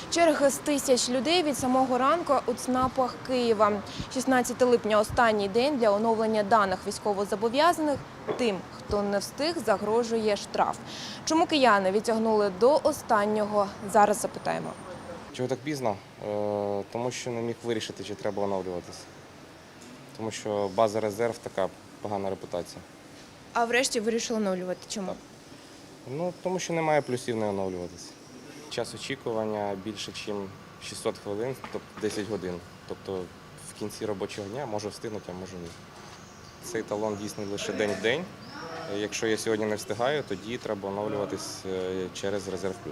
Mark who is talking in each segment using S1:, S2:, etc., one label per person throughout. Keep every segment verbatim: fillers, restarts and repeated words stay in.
S1: Черги з тисяч людей від самого ранку у ЦНАПах Києва. шістнадцятого липня – останній день для оновлення даних військовозобов'язаних. Тим, хто не встиг, загрожує штраф. Чому кияни відтягнули до останнього? Зараз запитаємо.
S2: Чого так пізно? Е, Тому що не міг вирішити, чи треба оновлюватися. Тому що база резерв – така погана репутація.
S1: А врешті вирішили оновлювати. Чому?
S2: Ну, тому що немає плюсів не оновлюватися. Час очікування більше, ніж шістсот хвилин, тобто десять годин. Тобто в кінці робочого дня можу встигнути, а можу ні. Цей талон дійсний лише день в день. Якщо я сьогодні не встигаю, тоді треба оновлюватись через Резерв Плюс.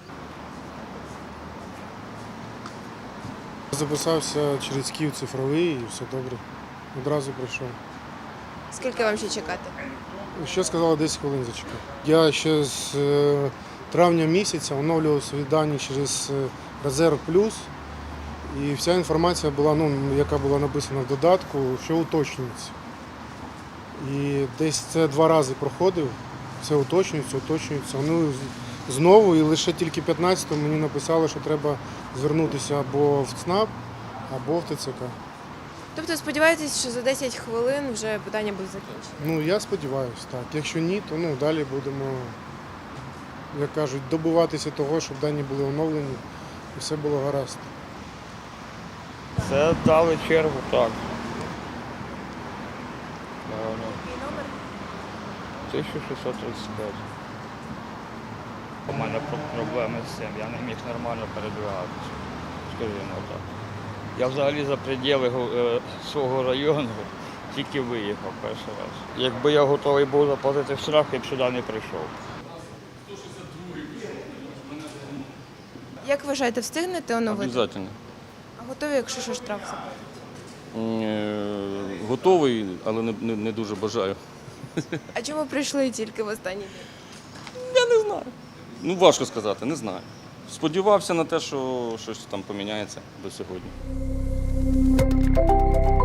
S3: Записався через Київ цифровий і все добре. Одразу прийшов.
S1: Скільки вам ще чекати?
S3: Ще сказали десять хвилин зачекати. Я ще з е, травня місяця оновлював свої дані через е, Резерв Плюс. І вся інформація була, ну, яка була написана в додатку, що уточнюється. І десь це два рази проходив, все уточнюється, уточнюється. Ну, знову, і лише тільки п'ятнадцятого мені написали, що треба звернутися або в ЦНАП, або в ТЦК.
S1: Тобто сподіваєтесь, що за десять хвилин вже питання буде закінчено?
S3: Ну, я сподіваюся, так. Якщо ні, то ну, далі будемо, як кажуть, добиватися того, щоб дані були оновлені і все було гаразд.
S4: Це дали чергу, так.
S1: Який номер?
S4: тисяча шістсот тридцять п'ять. У мене проблеми з цим, я не міг нормально передвигатися, скажімо так. Я взагалі за пределы е, свого району тільки виїхав перший раз. Якби я готовий був заплатити штраф, я б сюди не прийшов.
S1: Як вважаєте, встигнете оновити?
S5: Обязательно.
S1: А готові, якщо що штраф заплатити?
S5: Е, Готовий, але не, не, не дуже бажаю.
S1: А чому прийшли тільки в останній день?
S5: Я не знаю. Ну, важко сказати, не знаю. Сподівався на те, що щось там поміняється до сьогодні.